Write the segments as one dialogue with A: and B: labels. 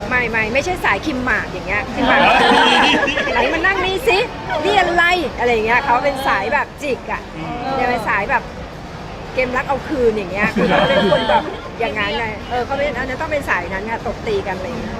A: ไม่ใช่สายคิมหมากอย่างเงี้ยคิมหมากไหนมานั่งนี่สินี่อะไรอย่างเงี้ยเขาเป็นสายแบบจิกอ่ะเนี่ยเป็นสายแบบเกมรักเอาคืนอย่างเงี้ยคือเขาเป็นคนแบบอย่างนั้นไงเขาเป็นอันนั้นต้องเป็นสายนั้นค่ะตบตีกันอะไรอย่างเงี้ย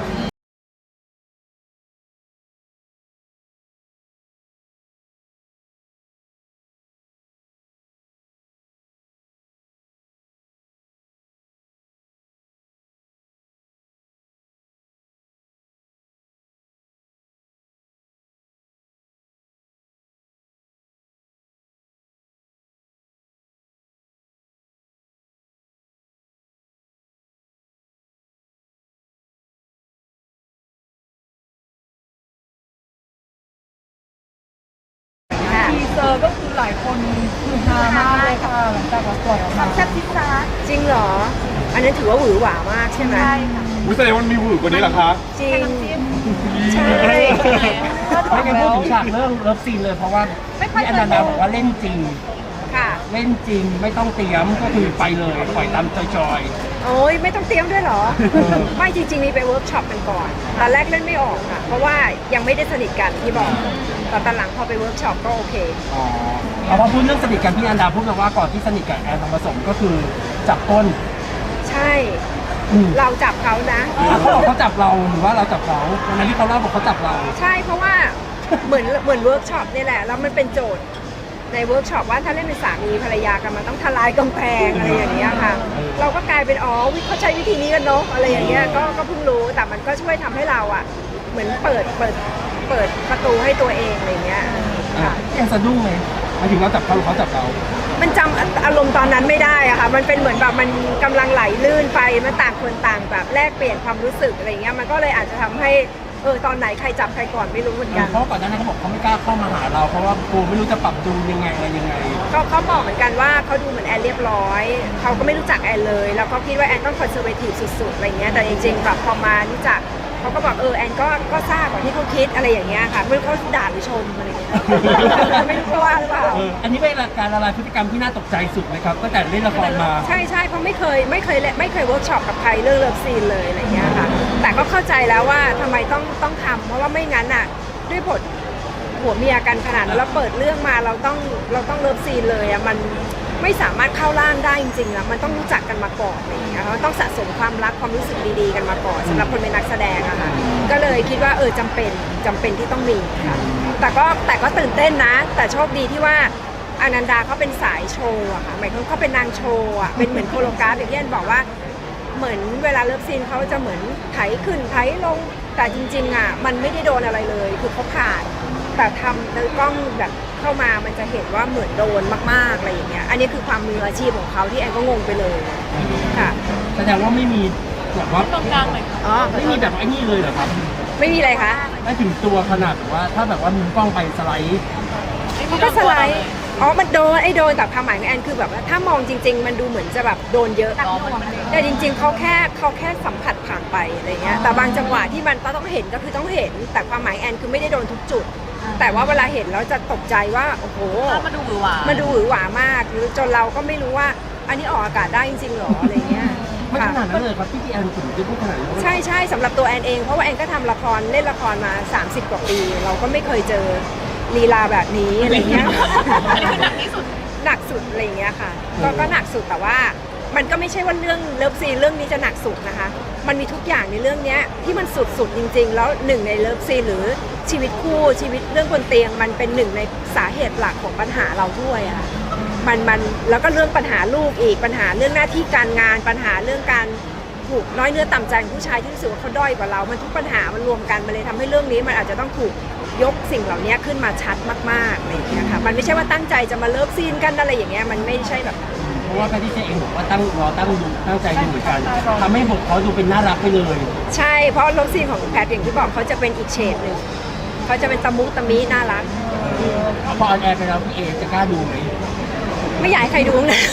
B: ทีเซอร์ก็คือหลายคนคือฮามากเลยค่ะหลังจากปล่อยออกมาแซ่บซิซ่า
A: จริงเหรออันนั้นถือว่าหวือหวามากใช่ไหม
B: ใช่ค่ะ
C: แสดงว่ามันมีหวือกว่านี้เหรอคะ
A: จริงใช่
D: ไม่งั้นพูดถึงฉากเรื่องเลิฟซีนเลยเพราะว่าพี่อนันดาบอกว่าเล่นจริง
A: ค่ะ
D: เล่นจริงไม่ต้องเตรียมก็คือไปเลยปล่อยตามจอย
A: โอ้ยไม่ต้องเตรียมด้วยเหรอ ไม่จริงๆมีไปเวิร์กช็อปกันก่อนตอนแรกเล่นไม่ออกค่ะเพราะว่ายังไม่ได้สนิทกันที่บอกแต่ตอนหลังพอไปเวิร์กช็อปก็โอเค
D: ๆอ๋อเอาพอพูดเรื่องสนิทกันพี่อนันดาพูดมาว่าก่อนที่สนิทกับแอนทองผสมก็คือจับต้น
A: ใช่เราจับเขานะ
D: เขาบอกเขาจับเราหรือว่าเราจับเขาวันนั้นที่เขาเล่าบอกเขาจับเรา
A: ใช่เพราะว่าเหมือนเวิร์กช็อปนี่แหละแล้วมันเป็นโจทย์ในเวิร์กช็อปว่าถ้าเล่นเป็นสามีภรรยากันมันต้องทลายกำแพงอะไรอย่างเงี้ยค่ะเราก็กลายเป็นเขาใช้วิธีนี้กันเนาะอะไรอย่างเงี้ยก็เพิ่งรู้แต่มันก็ช่วยทำให้เราอ่ะเหมือนเปิดประตูให้ตัวเองอะไรเงี้ยค่ะ
D: แอนสะดุ้งไหมหมายถึงเราจับเขาหรือเขาจับเรา
A: มันจำอารมณ์ตอนนั้นไม่ได้อะค่ะมันเป็นเหมือนแบบมันกำลังไหลลื่นไปมันต่างคนต่างแบบแลกเปลี่ยนความรู้สึกอะไรเงี้ยมันก็เลยอาจจะทำให้ตอนไหนใครจับใครก่อนไม่รู้เหมือนกัน
D: เพราะก่อนหน้านั้นเขาบอกเขาไม่กล้าเข้ามาหาเราเพราะว่ากูไม่รู้จะปรับจูนยังไงอะไรยังไง
A: เขาบอกเหมือนกันว่าเขาดูเหมือนแอนเรียบร้อยเขาก็ไม่รู้จักแอนเลยแล้วก็คิดว่าแอนต้องคอนเซอร์เวทีฟสุดๆอะไรเงี้ยแต่จริงๆแบบพอมารู้จักเขาก็บอกแอนก็ทราบกว่าที่เขาคิดอะไรอย่างเงี้ยค่ะไม่รู้เขาด่าหรือชมอะไรเงี้ยไม่รู้ว่าหรือเปล่า
D: อันนี้เป็นการละลายพฤติกรรมที่น่าตกใจสุดไหมครับตั้งแต่เล่นละครมา
A: ใช่เพราะไม่เคยเวิร์กช็อปกับใครเรื่องเลิฟซีนเลยอะไรเงี้ยค่ะแต่ก็เข้าใจแล้วว่าทำไมต้องทำเพราะว่าไม่งั้นอ่ะด้วยบทผัวเมียกันขนาดนั้นแล้วเปิดเรื่องมาเราต้องเลิฟซีนเลยอ่ะมันไม่สามารถเข้าร่างได้จริงๆอ่ะมันต้องรู้จักกันมาก่อนอะไรอย่างเงี้ยต้องสะสมความรักความรู้สึกดีๆกันมาก่อนสำหรับคนเป็นนักแสดงอะค่ะก็เลยคิดว่าจำเป็นที่ต้องมีค่ะแต่ก็ตื่นเต้นนะแต่โชคดีที่ว่าอนันดาเขาเป็นสายโชว์อะค่ะหมายถึงเขาเป็นนางโชว์อะเป็นเหมือนโคโรกราฟอย่างที่อันบอกว่าเหมือนเวลาเลิฟซีนเขาจะเหมือนไถขึ้นไถลงแต่จริงๆอะมันไม่ได้โดนอะไรเลยคือเขาผ่านแต่ทำโดยกล้องแบบเข้ามามันจะเห็นว่าเหมือนโดนมากๆอะไรอย่างเงี้ยอันนี้คือความมืออาชีพของเขาที่แอนก็งงไปเลยค่ะ
D: แสดงว่าไม่มีแบบว่า
B: ตรงกลางเลย
D: ไม่มีแบบไอ้นี่เลยเหรอครับ
A: ไม่มีอะไรคะ
D: ไม่ถึงตัวขนาดแบบว่าถ้าแบบว่ามุมกล้องไปสไลด์
A: เขาก็สไลด์มันโดนแต่ความหมายของแอนคือแบบว่าถ้ามองจริงๆมันดูเหมือนจะแบบโดนเยอะแต่จริงๆเขาแค่สัมผัสผ่านไปอะไรเงี้ยแต่บางจังหวะที่มันต้องเห็นก็คือต้องเห็นแต่ความหมายแอนคือไม่ได้โดนทุกจุดแต่ว่าเวลาเห็นแล้วจะตกใจว่าโอ้โห
B: มันดูหวือหวา
A: มากหรือจนเราก็ไม่รู้ว่าอันนี้ออกอากาศได้จริงๆหรออะไรเงี้ย
D: ไม่ขนาดนั้นเลยครับที่แอนถึงจะพูดขนาดนั้น
A: ใช่สำหรับตัวแอนเองเพราะว่าแอนก็ทำละครเล่นละครมา30 กว่าปีเราก็ไม่เคยเจอลีลาแบบนี้อะไรเงี้ยหนักสุดอะไรเงี้ยค่ะก็หนักสุดแต่ว่ามันก็ไม่ใช่ว่าเรื่องเลิฟซีนเรื่องนี้จะหนักสุดนะคะมันมีทุกอย่างในเรื่องนี้ที่มันสุดจริงๆแล้วหนึ่งในเลิฟซีนหรือชีวิตคู่ชีวิตเรื่องบนเตียงมันเป็นหนึ่งในสาเหตุหลักของปัญหาเราด้วยอะมันแล้วก็เรื่องปัญหาลูกอีกปัญหาเรื่องหน้าที่การงานปัญหาเรื่องการถูกน้อยเนื้อต่ำใจของผู้ชายที่รู้สึกว่าเขาด้อยกว่าเรามันทุกปัญหามันรวมกันมันเลยทำให้เรื่องนี้มันอาจจะต้องถูกยกสิ่งเหล่านี้ขึ้นมาชัดมากๆอะไรอย่างเงี้ยค่ะมันไม่ใช่ว่าตั้งใจจะมาเลิฟซีนกันอะไรอย่างเงี้ยมันไม่ใช่แบบ
D: เพราะว่าแพทย์เองบอกว่าตั้งใจดูเหมือนกันทำให้บทเขาดูเป็นน่ารักไปเลย
A: ใช่เพราะเลิฟซีนของแพทย์อย่างที่บอกเขาจะเป็นอีกเฉดหนึ่งเขาจะเป็นตะมุตะมิน่ารัก
D: พอออนแอร์ไปแล้วพี่เอจะกล้าดูไหม
A: ไม่อยากให้ใครดูนะ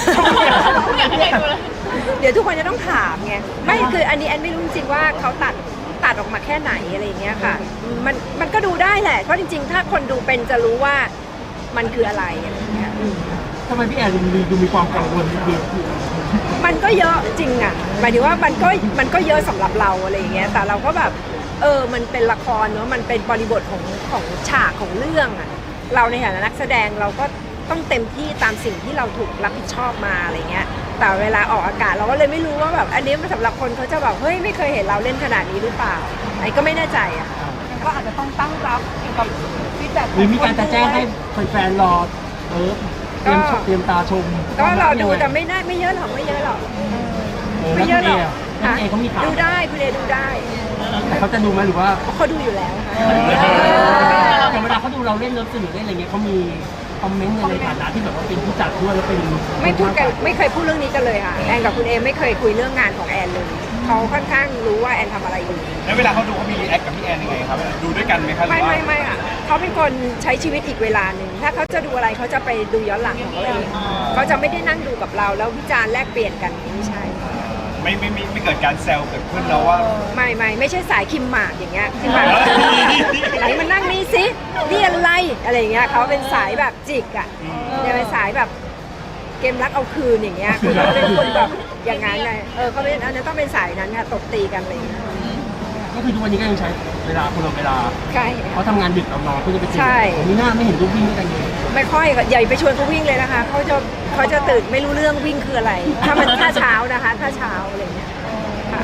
A: เดี๋ยวทุกคนจะต้องถามไงไม่คืออันนี้แอนไม่รู้จริงๆว่าเขาตัดออกมาแค่ไหนอะไรอย่างเงี้ยค่ะมันก็ดูได้แหละเพราะจริงๆถ้าคนดูเป็นจะรู้ว่ามันคืออะไรอะไรอย่างเงี้ย
D: ทำไมพี่แอนดูมีความกังวลนิด
A: มันก็เยอะจริงอ่ะหมายถึงว่ามันก็เยอะสำหรับเราอะไรอย่างเงี้ยแต่เราก็แบบมันเป็นละครเนอะมันเป็นบริบทของฉากของเรื่องอ่ะเราในฐานะนักแสดงเราก็ต้องเต็มที่ตามสิ่งที่เราถูกรับผิดชอบมาอะไรเงี้ยแต่เวลาออกอากาศเราก็เลยไม่รู้ว่าแบบอันนี้มันสำหรับคนเขาจะแบบเฮ้ยไม่เคยเห็นเราเล่นขนาดนี้หรือเปล่าไอ้ก็ไม่แน่ใจอ่ะ
B: ก็อาจจะต้องตั้งรับเกี่ยวกับฟีดแบ็ก
D: หรือมีการจะแจ้งให้แฟนๆรอเตรียมชมเตรียมตาชม
A: ก็เราดูแต่ไม่เยอะหรอกไม่เยอะหรอก ไม่เยอะหรอก
D: แล้วคุณเอเขามีข่าว
A: ดูได้คุณเอดูได้
D: แต่เขาจะดูไหมหรือว่า
A: เขาดูอยู่แล้วค่ะ
D: อย่างเวลาเขาดูเราเล่นเลิฟซีนหรือเล่นอะไรเงี้ยเขามีคอมเมนต์ในฐานะที่แบบว่าเป็นผู้จัดด้วยแล้วเป็น
A: ไม่พูดกันไม่เคยพูดเรื่องนี้กันเลยค่ะแอนกับคุณเอไม่เคยคุยเรื่องงานของแอนเลยเขาค่อนข้างรู้ว่าแอนทำอะไรอยู่
C: แล้วเวลาเขาดูเขามีรีแอคกับพี่แอนยังไงครับ ดูด้วยกันไหมครับหรือ
A: ไม่
C: ว่า
A: ไม่อ่ะเขาเป็นคนใช้ชีวิตอีกเวลาหนึ่งถ้าเขาจะดูอะไรเขาจะไปดูย้อนหลังของเขาเองเขาจะไม่ได้นั่งดูกับเราแล้ววิจารณ์แลกเปลี่ยนกันไม่ใช่
C: ไม่เกิดการแซวเกิดขึ้นแล้วว่า
A: ไม่ใช่สายคิมหมากอย่างเงี้ยคิมหมากไหนมานั่งนี่สินี่อะไรอย่างเงี้ยเขาเป็นสายแบบจิกอ่ะเนี่ยเป็นสายแบบเกมรักเอาคืนอย่างเงี้ยคือเขาเป็นคนแบบอย่างนั้นไงเขาเป็นอันนั้นต้องเป็นสายนั้นค่ะตบตีกันอะไรอย่างเงี้ย
D: ก็คือทุกวันนี้ก็ยังใช้เวลาคนละเวลา
A: ใช่
D: เขาทำงานดึกเรานอนก็จะไปเจอ
A: ใช่
D: มีหน้าไม่เห็นรูปวิ่งด้วยกันเลย
A: ไม่ค่อยใหญ่ไปชวนเขาวิ่งเลยนะคะเขาจะตื่นไม่รู้เรื่องวิ่งคืออะไร ถ้าเช้านะคะถ้าเช้าอะไรอย่างเงี้ยค่ะ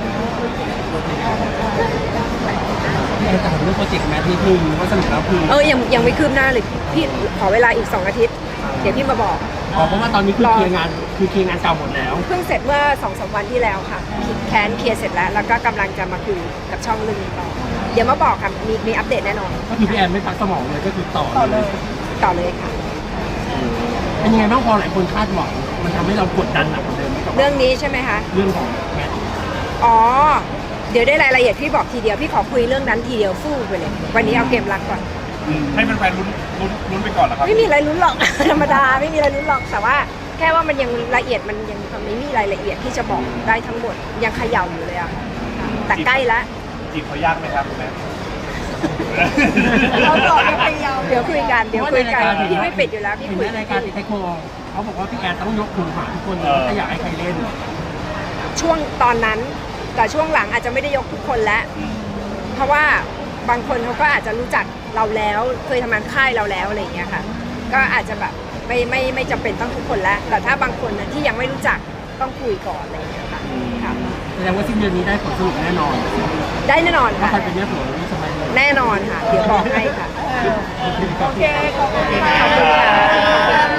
D: พี่แอนถามเรื่องโปรเจกต์แมทนิดนึงว่าสรุปแล้วคือ
A: ยังไม่คืบหน้าเลยพี่ขอเวลาอีก2 อาทิตย์เดี๋ยวพี่มาบอก
D: เพราะว่าตอนนี้คือเคลียร์งานเก่าหมดแล้ว
A: เพิ่งเสร็จเมื่อ2-3 วันที่แล้วค่ะแคนเคลียร์เสร็จแล้วแล้วก็กำลังจะมาคุยกับช่องเรื่องนี้ต่อเดี๋ยวมาบอกค่ะมีอัปเดตแน่นอน
D: ก็คือพี่แอนไม่พักสมองเลยก็คือต่อเลย
A: ต่อเลยค่ะ
D: เป็นยังไงบ้างพอหลายคนคาดหวังมันทำให้เรากดดันหนักกว่าเดิมไหมกับ
A: เรื่องนี้ใช่ไหมคะ
D: เรื่องของแมท
A: อ๋อเดี๋ยวได้รายละเอียดพี่บอกทีเดียวพี่ขอคุยเรื่องนั้นทีเดียวฟู่ไปเลยวันนี้เอาเกมรักก่อน
C: ให้แฟนๆลุ้นไปก่อนเหรอครับ
A: ไม่มีอะไรลุ้นหรอก ธรรมดาไม่มีอะไรลุ้นหรอกแต่ว่าแค่ว่ามันยังละเอียดมันยังไม่มีรายละเอียดที่จะบอกได้ทั้งหมดยังเขย่าอยู่เลยอะแต่ใกล้ละ
C: จีบเขายากไหมครับคุณแม่
B: เราต่อยังไปยาว
A: เดี๋ยวคุยกันพี่ไม่ปิดอยู่แล้วพี่
D: เห็น
A: คุ
D: ไหม
A: ย
D: รายการติดไทโคเขาบอกว่าพี่แอนต้องยกหูหาทุกคนเลยถ้าอยากให้ใครเล่น
A: ช่วงตอนนั้นแต่ช่วงหลังอาจจะไม่ได้ยกทุกคนแล้วเพราะว่าบางคนเขาก็อาจจะรู้จักเราแล้วเคยทำงานค่ายเราแล้วอะไรอย่างเงี้ยค่ะก็อาจจะแบบไม่จำเป็นต้องทุกคนแล้วแต่ถ้าบางคนนะที่ยังไม่รู้จักต้องคุยก่อนอะไรอย่างเงี้ยค่ะค่ะ
D: แสดงว่าสิ้นเดือนนี้ได้ผลสรุปแน่นอน
A: ได้แน่นอน
D: ว่า
A: ค่ะ
D: ใครเป็นแม่ผัวนี่สบายเลย
A: แน่นอนค่ะ เดี๋ยวบอกให้ค่ะ
B: โอเคขอบคุณ
A: ขอบคุณค่ะ